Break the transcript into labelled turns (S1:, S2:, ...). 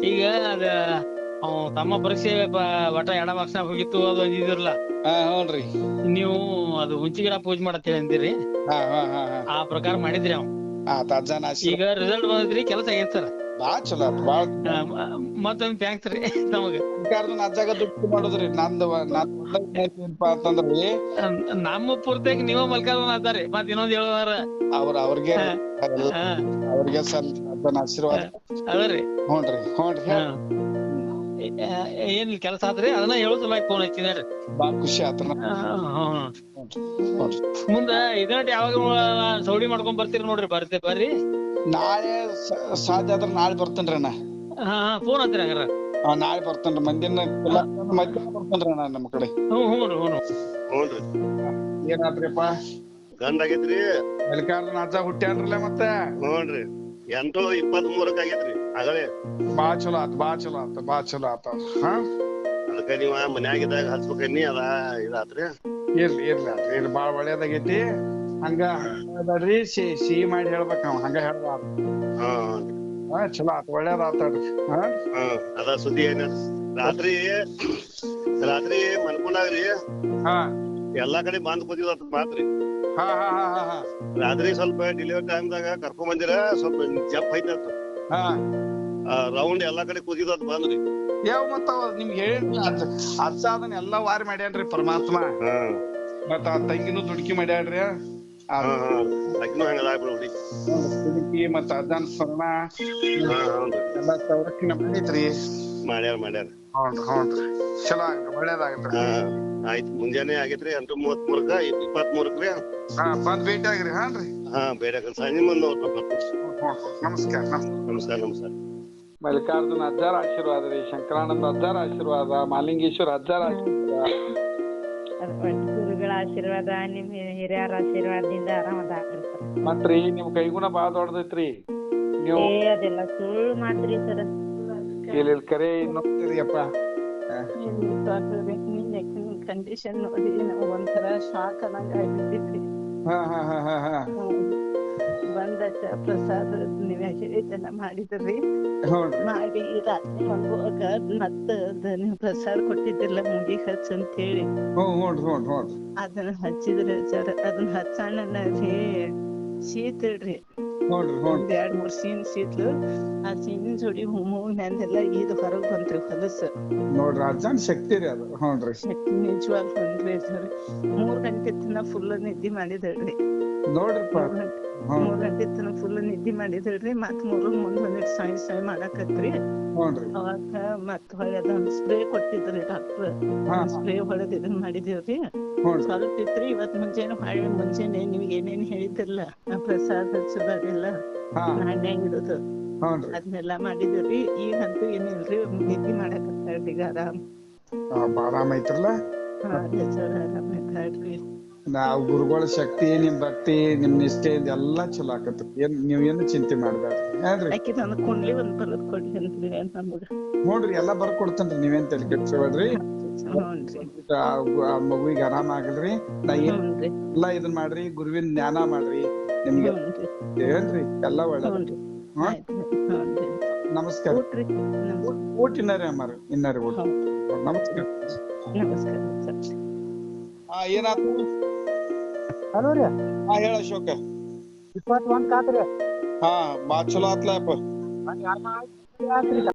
S1: ಈಗ ಅದ ತಮ್ಮ ಪರೀಕ್ಷೆ ಒಟ್ಟ ಎಡ ಮಾರ್ಕ್ಸ್ನಾಗ ಹೋಗಿತ್ತು ಅದು ಅಂದಿದಿರಲ್ಲ.
S2: ಹ್ಞೂನ್ರಿ.
S1: ನೀವು ಅದು ಹುಂಚಿ ಗಿಡ ಪೂಜೆ ಮಾಡತ್ತೇಳಿ ಅಂದಿರಿ. ಆ ಪ್ರಕಾರ ಮಾಡಿದ್ರಿ ಅವ್.
S2: ಅಜ್ಜನ
S1: ಈಗ ರಿಸಲ್ಟ್ ಬಂದೈತ್ರಿ, ಕೆಲಸ ಆಗೈತ್ ಸರ್.
S2: ಬಾಳ ಚಲೋ ಆತ್ ಬಾಳ.
S1: ಮತ್ತೊಂದ್ ಥ್ಯಾಂಕ್ಸ್ ರೀ ನಮಗ.
S2: ಅಜ್ಜಾಗ ದುಡ್ಡು ಮಾಡುದ್ರಿ ನಂದು ಏನಪ್ಪಾ ಅಂತಂದ್ರಿ,
S1: ನಮ್ಮ ಪೂರ್ತಿಯಾಗಿ ನೀವ ಮಲ್ಕಾಲ ಅಂತಾರಿ. ಮತ್ ಇನ್ನೊಂದ್ ಹೇಳೋದಾರ
S2: ಅವ್ರಿಗೆ ಸಲ್ ಅಜ್ಜನ ಆಶೀರ್ವಾದ
S1: ಅದರಿ.
S2: ಹ್ಞೂನ್ರಿ.
S1: ಏನ್ ಕೆಲಸ ಆದ್ರಿ ಅದನ್ನ ಹೇಳುದಿಲ್ಲ ಫೋನ್ ಹಚ್ಚಿದ್ರಿ.
S2: ಬಾಳ ಖುಷಿ ಆತ್ರ.
S1: ಮುಂದ ಇದನ್ನ ಯಾವಾಗ ಸೌಡಿ ಮಾಡ್ಕೊಂಡ್ ಬರ್ತೀರಿ ನೋಡ್ರಿ. ಬರ್ರಿ
S2: ನಾಳೆ ಸಾಧ್ಯ ಆದ್ರ ನಾಳೆ ಬರ್ತೇನ್ರಿ ಅಣ್ಣ.
S1: ಫೋನ್ ಹಚ್ಚಿರಿ ಹಂಗಾರ.
S2: ನಾಳೆ ಬರ್ತೇನ್ರಿ. ಮಧ್ಯಾಹ್ನ ಬರ್ತೇನ್ರಿ ಅಣ್ಣ ನಮ್ಮ ಕಡೆ.
S1: ಹ್ಞೂನ್ರಿ.
S2: ಏನಾದ್ರಿಪ್ಪ
S3: ಗಂಡ ಆಗೇತ್ರಿ.
S2: ಮಲ್ಲಿಕಾರ್ಜುನ ಅಜ್ಜ ಹುಟ್ಟ್ಯಾನ್ರಲ್ಲ ಮತ್ತೆ.
S3: ಹ್ಞೂನ್ರಿ. 8/23 ಆಗೇತ್ರಿ ಆಗಲೇ.
S2: ಬಾಳ ಚಲೋ ಆತ.
S3: ಅದಕ್ಕ ನೀವ ಮನ್ಯಾಗಿದ್ದಾಗ ಹಚ್ಬೇಕನ್ನಿ ಅದ ಇದಾತ್ರಿ.
S2: ಇರ್ಲಿ ಬಾಳ ಒಳ್ಳೇದಾಗೈತಿ. ಹಂಗ ಬೇಡ್ರಿ, ಸಿಹಿ ಮಾಡಿ ಹೇಳ್ಬೇಕ ಅವ. ಹಂಗ ಹೇಳ್ಬಾರ. ಚಲೋ ಆತ, ಒಳ್ಳೇದ ಆತಾಡ್ರಿ.
S3: ಅದ ಸುದ್ದಿ ಏನ ರಾತ್ರಿ ಮನ್ಕೊಂಡಾಗ್ರಿ ಎಲ್ಲಾ ಕಡೆ ಬಂದ್ ಕೂತಿದ ಮಾತ್ರಿ. ರಾತ್ರಿ ಸ್ವಲ್ಪ ಡೆಲಿವರಿ ಟೈಮ್ದಾಗ ಕರ್ಕೊಂಡ್ ಬಂದಿರ ಸ್ವಲ್ಪ ಜಪ್ ಐತಂತ. ರೌಂಡ್ ಎಲ್ಲಾ ಕಡೆ ಕೂತಿದ್ ಬಂದ್ರಿ.
S2: ಯಾವ ಮತ್ತ ನಿಮ್ಗೆ ಹೇಳಿದ್ರಿ ಅಜ್ಜ ಅದನ್ನ ಎಲ್ಲಾ ವಾರಿ ಮಾಡ್ಯಾನ್ರಿ ಪರಮಾತ್ಮ. ಮತ್ತ ಆ ತಂಗಿನೂ ದುಡುಕಿ ಮಾಡ್ಯಾಡ್ರಿ. ದುಡುಕಿ ಮತ್ತ ಅಜ್ಜನ ಸ್ಮರಣ ಎಲ್ಲಾ ಸಂರಕ್ಷಣೆ ಮಾಡೈತ್ರಿ.
S3: ಮಾಡ್ಯಾರ.
S2: ಹ್ಞೂನ್ರಿ. ಚಲೋ ಒಳ್ಳೇದಾಗತ್ರಿ.
S3: ಆಯ್ತು. ಮುಂಜಾನೆ ಆಗೇತ್ರಿ 8:33ಕ್ಕ 23ಕ್ಕೆ
S2: ಬಂದ್ ಭೇಟಿ ಆಗ್ರಿ.
S3: ಬೇಡ ಸಂಜೆ ಮುಂದೆ
S2: ನಮಸ್ಕಾರ.
S4: ಮಲ್ಲಿಕಾರ್ಜುನ ಅಜ್ಜಾರ ಆಶೀರ್ವಾದ ರೀ, ಶಂಕರಾನಂದ ಅಜ್ಜಾರ ಆಶೀರ್ವಾದ, ಮಾಲಿಂಗೇಶ್ವರ ಅಜ್ಜಾರ ಆಶೀರ್ವಾದ,
S5: ಗುರುಗಳ ಆಶೀರ್ವಾದ, ನಿಮ್ ಹಿರಿಯರ ಆಶೀರ್ವಾದದಿಂದ ಆರಾಮದಾಗ್ರಿ ಸರ್.
S4: ಮತ್ರಿ ನಿಮ್ ಕೈಗುಣ ಬಾಳ ದೊಡ್ಡದೈತ್ರಿ. ನೀವು
S5: ಅದೆಲ್ಲ ಸುಳ್ಳು ಮಾತ್ರಿ ಸರ್.
S4: ಇಲ್ಲಿ ಕರೆ ನೋಡ್ತೀರಿ ಅಪ್ಪ.
S5: ಕಂಡೀಷನ್ ನೋಡಿ ನಾವು ಒಂಥರ ಶಾಕ್ ಅನ್ನಂಗ ಆಗ್ಬಿಟ್ಟಿದ್ರಿ. ಬಂದ ಪ್ರಸಾದ ನೀವ್ ಹೇಳಿದ್ದೆಲ್ಲ ಮಾಡಿದ್ರಿ. ಮಾಡಿ ರಾತ್ರಿ ಮಲ್ಗುವಾಗ ಮತ್ತ ನೀವು ಪ್ರಸಾದ ಕೊಟ್ಟಿದ್ದಿಲ್ಲ ಮುಂಗಿ ಹಚ್ಚ ಅಂತ ಹೇಳಿ ಅದನ್ನ ಹಚ್ಚಿದ್ರಿ ಸರ್. ಅದನ್ನ ಹಚ್ಚಣ್ಣ ರೀ ಶೀತಳ್ರಿ. 2-3 ಸೀನ್ ಶೀತ್ಲು. ಆ ಸೀನಿನ ಜೋಡಿ ಹೂವಿನಂದೆಲ್ಲ ಇದು ಹೊರಗ್ ಬಂತ್ರಿ ಹೊಲಸು.
S2: ನೋಡ್ರಿ ಅಜ್ಜನ್ ಶಕ್ತಿ ರೀ ಅದು.
S5: ಶಕ್ತಿ ನಿಜವಾಗ್ ಬಂದ್ರಿ ಸರ್. 3 ಗಂಟೆ ತನ ಫುಲ್ ನಿದ್ದೆ ಮಾಡಿದಳ್ರಿ.
S2: ನೋಡ್ರಿಪ್ಪ
S5: 3 ಗಂಟೆ ತನ ಫುಲ್ ನಿದ್ದೆ ಮಾಡಿದಳ್ರಿ. ಮತ್ 3 ಮುಂದ್ ಬಂದಿಟ್ ಸಾಯ್ ಮಾಡಾಕತ್ರಿ. ಅವಾಗ ಮತ್ ಹೊಳೆ ಅದೊಂದ್ ಸ್ಪ್ರೇ ಕೊಟ್ಟಿದ್ರಿ ಡಾಕ್ಟರ್. ಸ್ಪ್ರೇ ಹೊಡೆದ್ ಇದನ್ ಮಾಡಿದೇವ್ರಿ. ಸ್ವಲ್ಪ ಇತ್ರಿ. ಇವತ್ ಮುಂಜಾನೆ ನಿಮ್ಗೆ ಏನೇನ್ ಹೇಳಿದ್ರಲ್ಲ ಪ್ರಸಾದ ಹಚ್ಚೋದೆಲ್ಲ ನಾಣ್ಯ ಇಡುದು ಅದನ್ನೆಲ್ಲಾ ಮಾಡಿದ್ರಿ. ಈಗಂತೂ ಏನಿಲ್ರಿ, ನಿದ್ದೆ ಮಾಡಾಕತ್ತಾಳ್ರಿ. ಈಗ
S2: ಆರಾಮ ಐತ್ರಲ್ಲ.
S5: ಆರಾಮೈತಾಳ್ರಿ.
S2: ನಾವ್ ಗುರುಗಳ ಶಕ್ತಿ, ನಿಮ್ ಭಕ್ತಿ, ನಿಮ್ ನಿಷ್ಠೆಯಿಂದ ಎಲ್ಲಾ ಚಲೋ ಆಕತ್ರಿ. ನೀವ್ ಏನು ಚಿಂತೆ ಮಾಡ್ಬೇಡ್ರಿ.
S5: ಆಕಿ ನನ್ ಕುಂಡ್ಲಿ ಒಂದ್ ಬರದ್ ಕೊಡ್ರಿ ಅಂತ್ರಿ ನಮಗ.
S2: ನೋಡ್ರಿ ಎಲ್ಲಾ ಬರ್ಕೊಡ್ತೇನ್ರಿ, ನೀವೇನ್ ತಲೆ ಕೆಡ್ಸ್ಕೊಬೇಡ್ರಿ. ಮಗುವಿಗೆ ಆರಾಮ ಆಗಲ್ರಿ. ಎಲ್ಲಾ ಇದನ್ ಮಾಡ್ರಿ, ಗುರುವಿನ ಜ್ಞಾನ ಮಾಡ್ರಿ. ನಿಮ್ಗೆ ಏನ್ರಿ ಎಲ್ಲಾ ಒಳ್ಳೆ. ನಮಸ್ಕಾರ. ಊಟ ಇನ್ನರಿ ಅಮ್ಮಾರ ಇನ್ನರಿ ಊಟ. ನಮಸ್ಕಾರ. ಏನಾಯ್ತು?
S6: ಹಲೋ ರೀ.
S2: ಹೇಳ ಅಶೋಕ.
S6: 21 ಕಾತ್ರಿ.
S2: ಬಾಳ ಚಲೋ ಆತ್ಲಪ್ಪ.